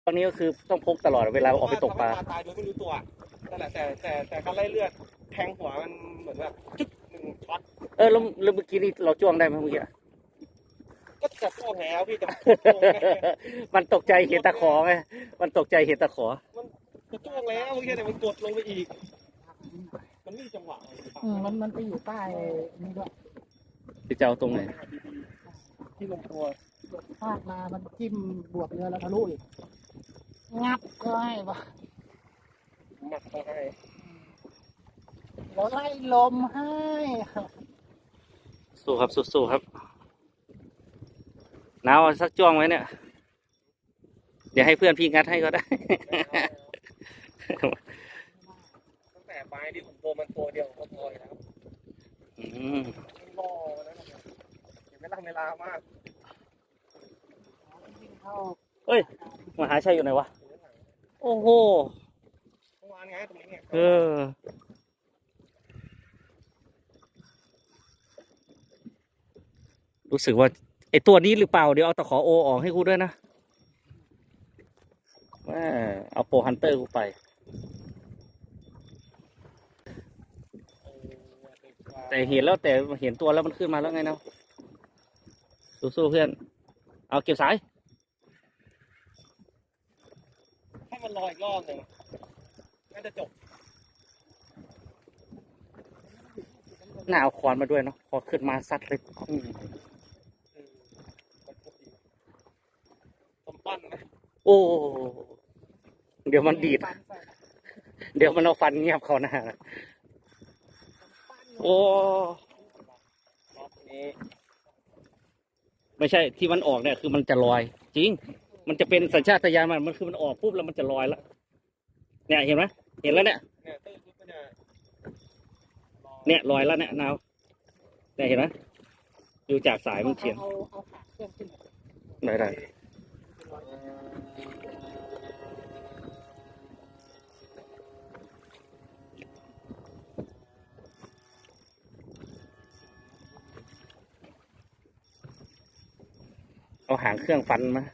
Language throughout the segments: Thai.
ตอนนี้ก็คือต้องพกตลอดเวลาออกไปตกปลาตายโดยไม่รู้ตัวนั่นแหละแต่การไล่เลือดแทงหัวมันเหมือนแบบจึ๊กหนึ่งช็อตแล้วเมื่อกี้นี่เราจ้วงได้ไหมเมื่อกี้ก็จะโค้งแล้วพี่จะมันตกใจเห็นตะขอไงมันตกใจเห็นตะขอมันจ้วงแล้วเมื่อกี้แต่มันกดลงไปอีกมันไม่มีจังหวะมันไปอยู่ใต้นี่ด้วยจะเอาตรงไหนที่ลงตัวพาดมามันจิ้มบวกเรือแล้วทะลุอีกงับก็ให้ปะหมักมาให้เราไล่ลมให้สู้ครับสู้ครับหนาวสักจ้วงไว้เนี่ยเดี๋ยวให้เพื่อนพี่งัดให้ก็ได้ตั้งแต่ปลายที่ผมโตมันตัวเดียวก็พอแล้วล่อแล้วเห็นไหมล่ะเวลามากเฮ้ยมหาชัยอยู่ไหนวะโอ้โหเมื่อวานไงตรงนี้ไงรู้สึกว่าไอตัวนี้หรือเปล่าเดี๋ยวเอาตะขอโอออกให้กูด้วยนะเอาโปรฮันเตอร์กูไปแต่เห็นแล้วแต่เห็นตัวแล้วมันขึ้นมาแล้วไงเนาะสู้เพื่อนเอาเก็บสายให้มันลอยอีกรอบหนึ่งน่าจะจบหน้าเอาคอนมาด้วยเนาะพอขึ้นมาซัดเลยผมปั้นนะโอ้เดี๋ยวมันดีดเดี๋ยวมันเอาฟันเงียบเขาหน้าโอ้ไม่ใช่ที่มันออกเนี่ยคือมันจะลอยจริงมันจะเป็นสัญชาตญาณมันคือมันออกปุ๊บแล้วมันจะลอยแล้วเนี่ยเห็นไหมเห็นแล้วเนี่ยเนี่ยลอยแล้วเนี่ยนาวเนี่ยเห็นไหมดูจากสายมันเฉียงได้เอาหางเครื่องฟันมา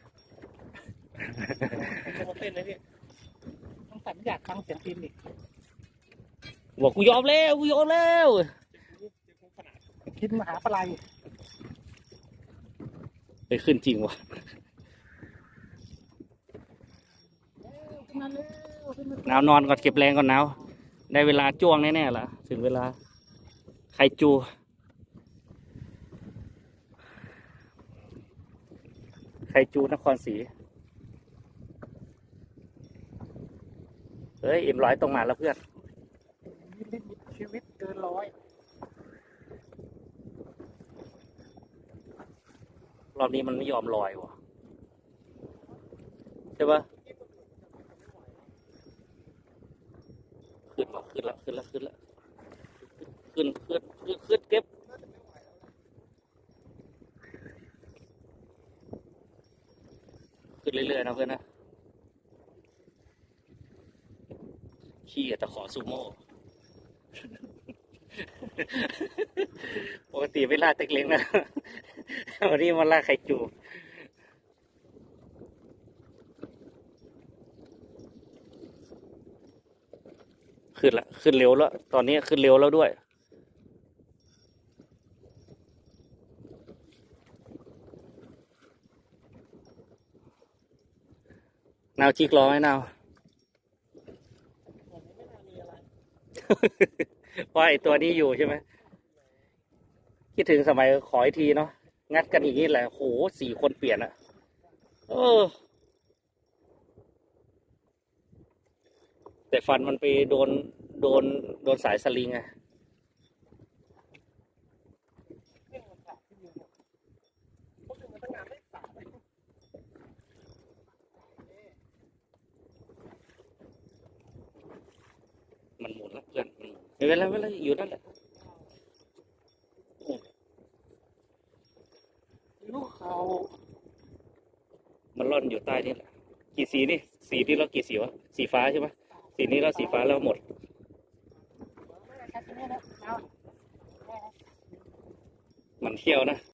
เต้นเลยพี่ต้องสัญญาฟังเสียงพินอีกบอกกูยอมแล้วคิดมหาปลายไปขึ้นจริงวะหนาวนอนก่อนเก็บแรงก่อนหนาวได้เวลาจ้วงแน่ๆละถึงเวลาไข่จูนครศรีเฮ้ยM100ตรงมาแล้วเพื่อนชีวิตเกินร้อยรอบนี้มันไม่ยอมลอยวะใช่ปะขึ้นแล้วขึ้นเก็บขึ้นเรื่อยๆนะเพื่อนนะขี้ตะขอซูโม่ปกติไม่ล่าเต็กเล้งนะวันนี้มาล่าไข่จูขึ้นเร็วแล้วตอนนี้ขึ้นเร็วแล้วด้วยนาวจิกรอไหมนาวเพราะไอตัวนี้อยู่ใช่ไหมคิดถึงสมัยขออีกทีเนาะงัดกันอย่างนี้แหละโห4 คนเปลี่ยนอะแต่ฟันมันไปโดนสายสลิงไงมันหมุนแล้วเพื่อนไม่เป็นไรอยู่นั่นแหละลูกเขามันร่อนอยู่ใต้นี่แหละกี่สีนี่สีที่เรากี่สีวะสีฟ้าใช่ไหมสีนี้เราสีฟ้าแล้วหมดมันเที่ยวนะ